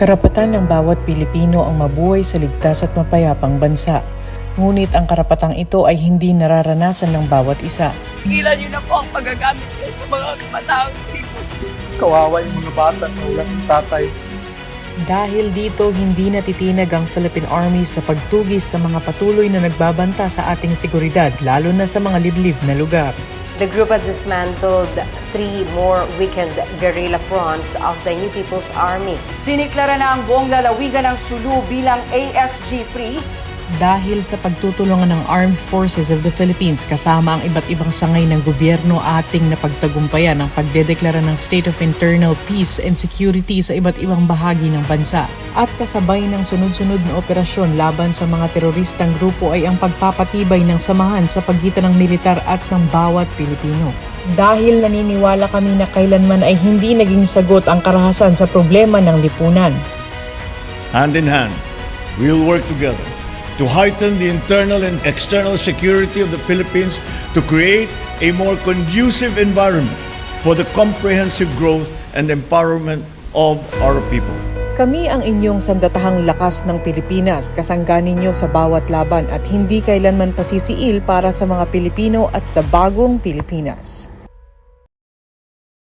Karapatan ng bawat Pilipino ang mabuhay sa ligtas at mapayapang bansa. Ngunit ang karapatang ito ay hindi nararanasan ng bawat isa. Tigilan niyo na po ang paggagamit niyo sa mga kapataang tipo. Kawawa yung mga bata na walang tatay. Dahil dito, hindi natitinag ang Philippine Army sa pagtugis sa mga patuloy na nagbabanta sa ating seguridad, lalo na sa mga liblib na lugar. The group has dismantled 3 more weakened guerrilla fronts of the New People's Army. Diniklara na ang buong lalawigan ng Sulu bilang ASG-free. Dahil sa pagtutulungan ng Armed Forces of the Philippines kasama ang iba't ibang sangay ng gobyerno, ating napagtagumpayan ang pagdedeklara ng State of Internal Peace and Security sa iba't ibang bahagi ng bansa. At kasabay ng sunod-sunod na operasyon laban sa mga teroristang grupo ay ang pagpapatibay ng samahan sa pagitan ng militar at ng bawat Pilipino. Dahil naniniwala kami na kailanman ay hindi naging sagot ang karahasan sa problema ng lipunan. Hand in hand, we'll work together to heighten the internal and external security of the Philippines, to create a more conducive environment for the comprehensive growth and empowerment of our people. Kami ang inyong sandatahang lakas ng Pilipinas, kasangga ninyo sa bawat laban at hindi kailanman pasisiil para sa mga Pilipino at sa bagong Pilipinas.